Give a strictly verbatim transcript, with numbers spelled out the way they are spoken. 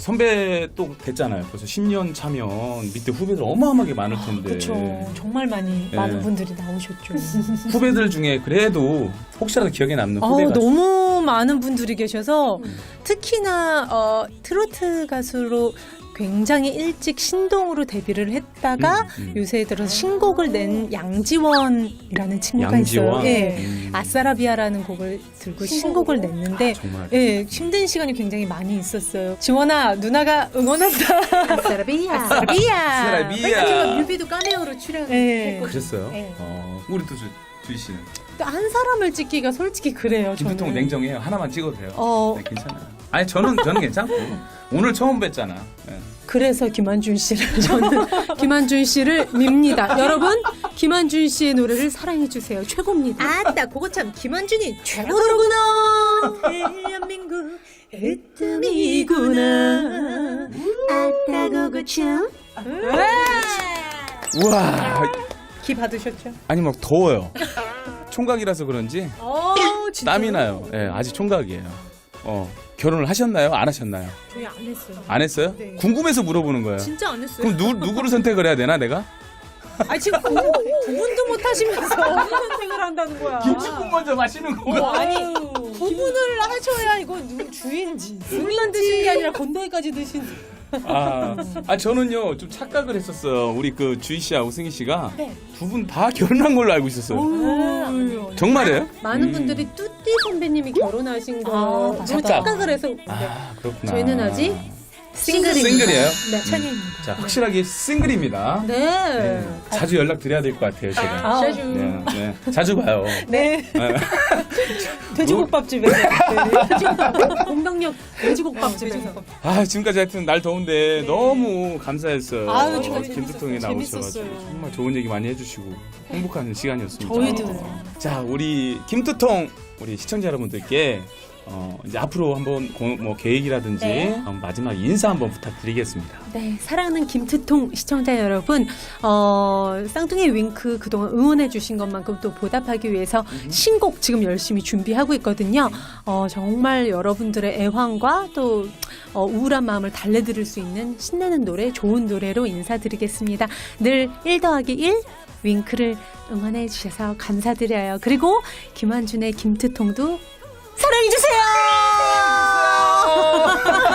선배 또 됐잖아요. 벌써 십 년 차면 밑에 후배들 어마어마하게 많을 텐데. 그렇죠. 정말 많이 네. 많은 분들이 나오셨죠. 후배들 중에 그래도 혹시라도 기억에 남는 어, 후배가 너무 많은 분들이 계셔서 음. 특히나 어, 트로트 가수로 굉장히 일찍 신동으로 데뷔를 했다가 음, 음. 요새 들어서 신곡을 낸 양지원이라는 친구가 양지원? 있어요. 예. 음. 아싸라비아라는 곡을 들고 신곡을 냈는데 정말. 예, 힘든 시간이 굉장히 많이 있었어요. 지원아, 누나가 응원한다. 아싸라비아. 아싸라비아. 사라비야. 뮤비도 까메오로 출연했고. 예. 그랬어요? 네. 어, 우리 또 주, 주희 씨는 한 사람을 찍기가 솔직히 그래요. 저는. 김두통 냉정해요. 하나만 찍어도 돼요. 어, 네, 괜찮아요. 아니 저는 저는 괜찮고 오늘 처음 뵀잖아. 네. 그래서 김한준 씨를 저는 김한준 씨를 밉니다. 여러분, 김한준 씨의 노래를 사랑해 주세요. 최고입니다. 아따, 그거 참 김한준이 최고로구나. 대한민국 으뜸이구나. 아따, 그거 참. 우와. 기 받으셨죠? 아니 막 더워요. 총각이라서 그런지 어, 진짜. 땀이 나요. 예, 아직 총각이에요. 어, 결혼을 하셨나요? 안 하셨나요? 저희 안 했어요. 안 했어요? 네. 궁금해서 물어보는 거예요. 진짜 안 했어요. 그럼 누, 누구를 선택을 해야 되나 내가? 아 지금 구, 구분도 못 하시면서 무슨 선택을 한다는 거야. 먼저 마시는 어, 아니 구분을 하셔야 이거 누구 주인지 술만 드신 게 아니라 건더기까지 드신. 아, 아 저는요 좀 착각을 했었어요. 우리 그 주희 씨하고 승희 씨가 네. 두 분 다 결혼한 걸로 알고 있었어요. 오, 정말이에요? 많은 음. 분들이 뚜띠 선배님이 결혼하신 아, 거 맞다. 너무 착각을 해서 아 그렇구나. 저희는 아직 싱글입니다. 싱글이에요? 네, 찬이입니다. 자 확실하게 싱글입니다. 네. 네. 자주 연락 드려야 될 것 같아요 제가. 아, 자주. 네, 네. 자주 봐요. 네. 네. 돼지국밥집에서. 돼지국밥. 공덕역 돼지국밥집에서. 아 지금까지 하여튼 날 더운데 너무 감사했어요. 아유, 어, 저희 김두통에 재밌었어요. 나오셔가지고 재밌었어요. 정말 좋은 얘기 많이 해주시고 행복한 시간이었습니다. 저희도. 자 우리 김두통 우리 시청자 여러분들께 어, 이제 앞으로 한번 고, 뭐 계획이라든지 네. 어, 마지막 인사 한번 부탁드리겠습니다. 네, 사랑하는 김트통 시청자 여러분, 어, 쌍둥이 윙크 그동안 응원해주신 것만큼 또 보답하기 위해서 신곡 지금 열심히 준비하고 있거든요. 어, 정말 여러분들의 애환과 또 어, 우울한 마음을 달래드릴 수 있는 신나는 노래, 좋은 노래로 인사드리겠습니다. 늘 일 더하기 일 윙크를 응원해 주셔서 감사드려요. 그리고 김한준의 김트통도 사랑해주세요!